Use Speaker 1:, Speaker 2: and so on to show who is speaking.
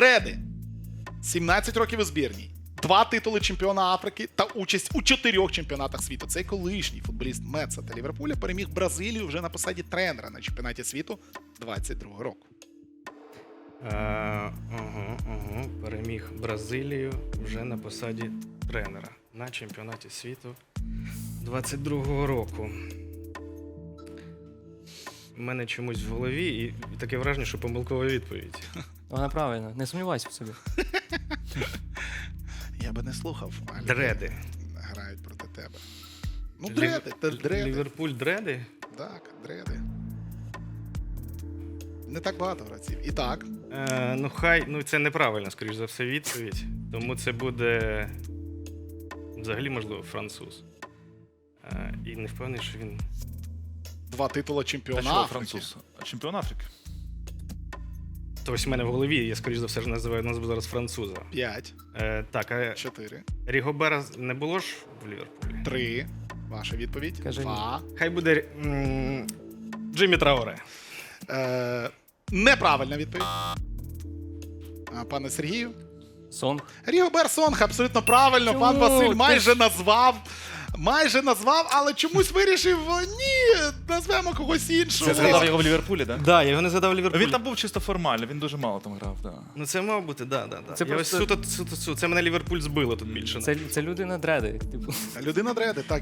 Speaker 1: Дреди. 17 років у збірній. 2 титули чемпіона Африки та участь у 4 чемпіонатах світу. Цей колишній футболіст Метса та Ліверпуля переміг Бразилію вже на посаді тренера на чемпіонаті світу 22-го року.
Speaker 2: Переміг Бразилію вже на посаді тренера на чемпіонаті світу 22-го року. У мене чомусь в голові і таке враження, що помилкова відповідь.
Speaker 3: Вона правильна, не сумнівайся в собі.
Speaker 1: Я би не слухав. але
Speaker 2: Дреди.
Speaker 1: Грають проти тебе. Ну, дреди, та дреди.
Speaker 2: Ліверпуль дреди?
Speaker 1: Так, дреди. Не так багато гравців. І так.
Speaker 2: Ну це неправильно, скоріш за все, відповідь. Тому це буде взагалі, можливо, француз. І не впевнений, що він...
Speaker 1: 2 титула
Speaker 4: Та
Speaker 1: чемпіона
Speaker 4: що,
Speaker 1: Африки.
Speaker 4: француз? Чемпіон Африки.
Speaker 2: То ось в мене в голові, я скоріш за все ж назву зараз француза.
Speaker 1: 5,
Speaker 2: Так, а
Speaker 1: 4,
Speaker 2: Рігобера не було ж в Ліверпулі?
Speaker 1: 3. Ваша відповідь.
Speaker 3: Кажи ні.
Speaker 1: 2.
Speaker 2: Хай буде Джиммі Траоре.
Speaker 1: Неправильна відповідь. Пане Сергію.
Speaker 3: Сонг.
Speaker 1: Рігобер Сонг, абсолютно правильно.
Speaker 3: Чому?
Speaker 1: Пан Василь
Speaker 3: Ти
Speaker 1: майже назвав, але чомусь вирішив, ні, назвемо когось іншого.
Speaker 4: Це згадав його в Ліверпулі, так?
Speaker 2: Да, я його не згадав в Ліверпулі.
Speaker 4: Він там був чисто формально, він дуже мало там грав, так.
Speaker 2: Ну це мав бути, да.
Speaker 3: Це
Speaker 2: Я
Speaker 3: просто-
Speaker 2: ось суто, це мене Ліверпуль збило тут більше.
Speaker 3: Це людина дреди. Типу.
Speaker 1: Людина дреди, так.